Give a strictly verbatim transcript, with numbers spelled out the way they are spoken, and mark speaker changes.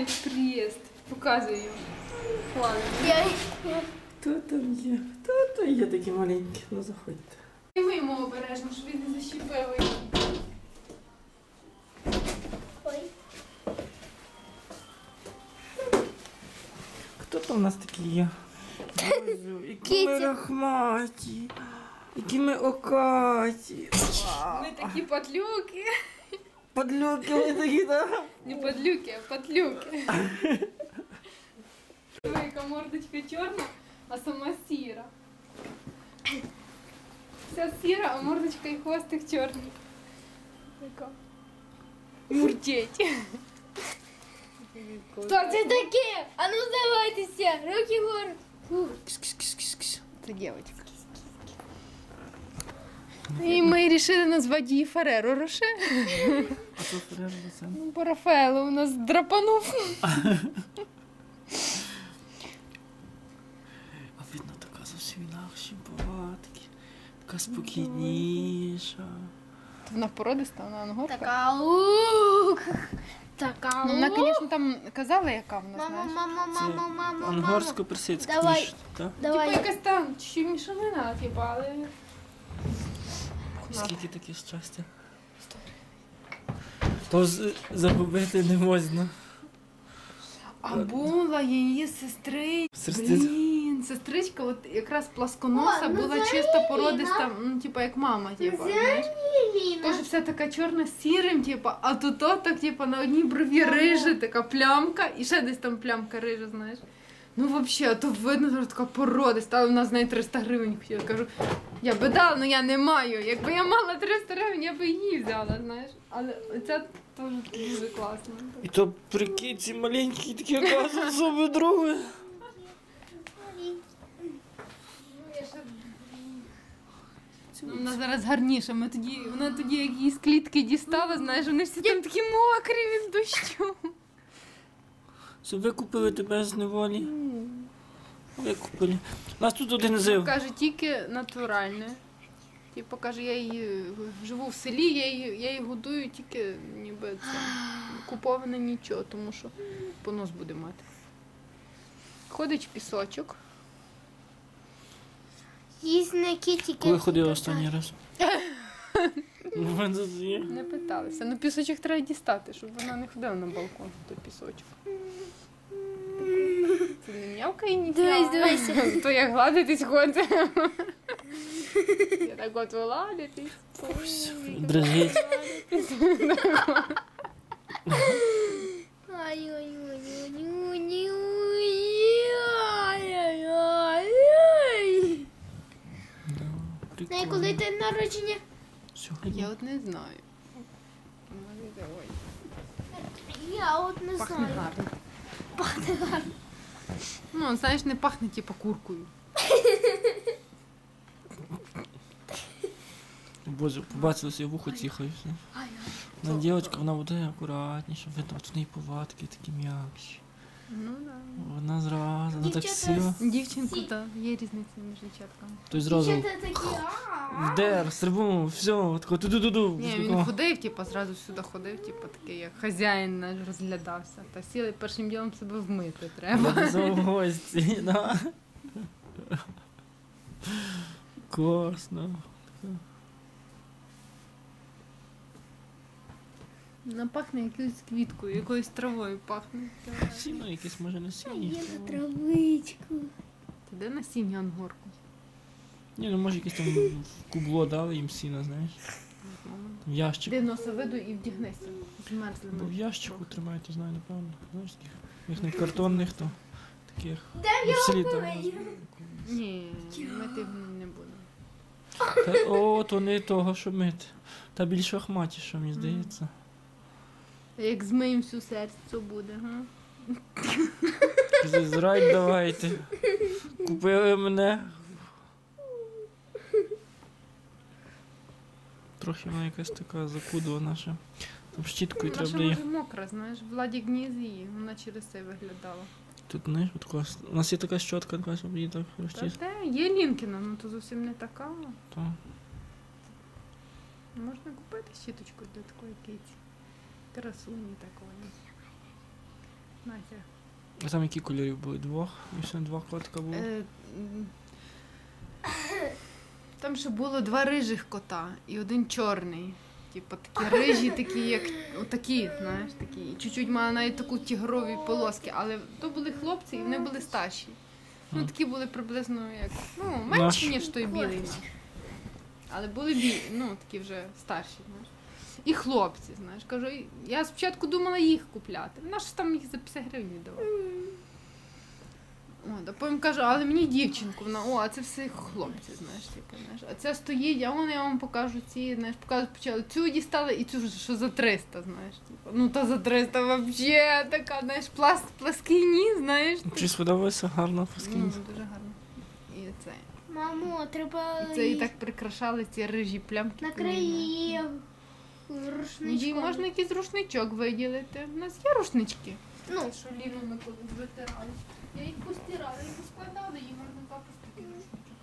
Speaker 1: приїзд. Показуй його. Ладно.
Speaker 2: Я...
Speaker 3: Хто там є? Хто там є такі маленькі? Ну заходьте.
Speaker 1: І ми йому обережно, щоб він не защіпив її.
Speaker 2: Ой.
Speaker 3: Хто там у нас такі є? Боже, які ми рахматі, які ми окаті.
Speaker 1: Ми такі подлюки.
Speaker 3: Подлюки ми такі, так?
Speaker 1: Не подлюки, а подлюки. Яка мордочка чорна, а сама сіра. Вся сіра, а мордочка і хвостик чорний. Така. Мурчить.
Speaker 2: Хто це таке? А ну здавайтеся, руки вгору.
Speaker 1: Це дівчинка. І ми вирішили назвати її Фереро Роше.
Speaker 3: А то Ферреро Роше.
Speaker 1: Ну, по Рафаелу у нас драпанув.
Speaker 3: А видно, така зовсім інакші повадки. Така спокійніша.
Speaker 1: Вона породиста, вона ангорка.
Speaker 2: Така лук. Така
Speaker 1: Ну,
Speaker 2: лук.
Speaker 1: вона, звісно, там казала, яка вона,
Speaker 2: Мама,
Speaker 1: знаєш.
Speaker 2: мама, мама, мама, мама.
Speaker 3: Ангорсько-персидська
Speaker 2: Давай.
Speaker 3: ніж, так?
Speaker 1: Типа
Speaker 2: Давай.
Speaker 1: якась там чуть мішанина, типа, але...
Speaker 3: Скільки таке щастя? То з- загубити не можна.
Speaker 1: А була її сестри.
Speaker 3: Сестри-
Speaker 1: Блін, сестричка, от якраз пласконоса,
Speaker 2: О, ну
Speaker 1: була
Speaker 2: це
Speaker 1: чисто
Speaker 2: Ліна.
Speaker 1: породиста, ну, типа, як мама, типа, знаєш. Тоже вся така чорна з сірим, типа, а тут то так, типа, на одній брові рижа, така плямка, і ще десь там плямка рижа, знаєш. Ну, взагалі, а то видно, що така породиста, але вона з неї триста гривень хотіла. Кажу, я би дала, але я не маю. Якби я мала триста гривень, я би її взяла, знаєш. Але ця теж дуже класна.
Speaker 3: І то прикинь, ці маленькі такі оказують зуби друге.
Speaker 1: Ну, вона зараз гарніша. Ми тоді, вона тоді, як її з клітки дістала, знаєш, вони всі там такі мокрі від дощу.
Speaker 3: Щоб викупили тебе з неволі. Викупили. У нас тут один зив.
Speaker 1: Каже, тільки натуральне. Типу, каже, я її живу в селі, я її, я її годую, тільки ніби це куповане нічого, тому що понос буде мати. Ходить в пісочок.
Speaker 2: Їсть на кітіки.
Speaker 3: Коли ходила останній раз? Ну, в мене тут є.
Speaker 1: Не питалися. Ну, пісочок треба дістати, щоб вона не ходила на балкон, то пісочок. Це не м'явкає ні.
Speaker 2: Дивись, дивися.
Speaker 1: То як гладитись ходить. Я так от виладитись.
Speaker 3: Дрожить.
Speaker 2: Ай-ой-ой-ой-ой-ой-ой. Знає, коли
Speaker 3: Прикольно.
Speaker 2: ти народження?
Speaker 3: Сьогодні.
Speaker 1: Я от не знаю. Ой,
Speaker 2: Я от не
Speaker 1: пахне
Speaker 2: знаю.
Speaker 1: гарно.
Speaker 2: Пахне гарно.
Speaker 1: Ну, знаєш, не пахне типу куркою.
Speaker 3: Боже, побачилося, я вухо ціхаю. На дівчинка, вона буде акуратніша, видно, от в неї повадки такі м'якші.
Speaker 1: Ну, да.
Speaker 3: Вона зразу, вона так
Speaker 2: Дівчата
Speaker 3: сіла.
Speaker 1: Дівчинку, так, є різниця між дівчатками.
Speaker 3: Той зразу
Speaker 2: Дівчата такі, а.
Speaker 3: вдер, стрибнув, все, тако ту-ду-ду-ду.
Speaker 1: Ні, він ходив, типу, зразу сюди ходив, типу, такий, як хазяїн наш розглядався. Та сіли першим ділом себе вмити треба.
Speaker 3: В гості, да. Класно.
Speaker 1: Вона пахне якоюсь квіткою, якоюсь травою пахне.
Speaker 3: Сіно якесь може не сіні.
Speaker 2: Є на травичку.
Speaker 1: Ти де насіння ангорку?
Speaker 3: Ні, ну може якесь там в кубло дали їм сіна, знаєш. В ящик.
Speaker 1: Де носа виду і вдягнися. Змерзли.
Speaker 3: Бо в ящику тримають, я знаю, напевно. Знаєш, таких, їх не картонних, то таких.
Speaker 2: Де
Speaker 3: Ну, в селі
Speaker 2: його
Speaker 3: там.
Speaker 2: помию?
Speaker 1: Ні, мити не будемо.
Speaker 3: Та, о, то не того, що мити. Та більш ахматіше, мені здається.
Speaker 1: Як змиємо всю серце буде, га?
Speaker 3: Зрать давайте. Купили мене. Трохи вона якась така запудова ще. Там щіткою
Speaker 1: Вона
Speaker 3: треба
Speaker 1: ще
Speaker 3: буде її.
Speaker 1: може мокра, знаєш, Владік не її, вона через це виглядала.
Speaker 3: Тут знаєш, от клас. У нас є така щотка, така, щоб її так
Speaker 1: Та
Speaker 3: розчистити.
Speaker 1: те, є Лінкіна, ну то зовсім не така.
Speaker 3: То.
Speaker 1: Можна купити щіточку для такої киці. Красуні такої. Настя.
Speaker 3: А там які кольорів були? Двох? І ще два котика було?
Speaker 1: Е, м, Там ще було два рижих кота і один чорний. Типу такі рижі, такі, як отакі, знаєш, такі. І чуть-чуть мали навіть таку тігрові полоски, але то були хлопці і вони були старші. Ну,
Speaker 3: Мгм.
Speaker 1: такі були приблизно як, ну, менші, ніж той білий. наш. Але були білі, ну, такі вже старші, знаєш. І хлопці, знаєш. Кажу, і- я спочатку думала їх купляти. Вона ж там їх за п'ятдесят гривень віддавала. От, а потім кажу, але мені дівчинку, вона, о, а це все хлопці, знаєш, типу, знаєш. А це стоїть, а вони я вам покажу ці, знаєш, покажу, почали. Цю дістали і цю, що за триста, знаєш, типу. Ну, та за триста взагалі така, знаєш, пласт, плаский ніс, знаєш.
Speaker 3: Чи сподобалося гарно
Speaker 1: Ну,
Speaker 3: поскінь?
Speaker 1: дуже гарно. І це.
Speaker 2: Мамо, треба
Speaker 1: І це і так прикрашали ці рижі плямки.
Speaker 2: накрий її
Speaker 1: Ну, їй
Speaker 2: рушничком.
Speaker 1: можна якийсь рушничок виділити. У нас є рушнички.
Speaker 2: Ну,
Speaker 1: Що Ліну ми колись витирали. Я їх постирала, їх поскладала, їй можна капусту такий рушничок.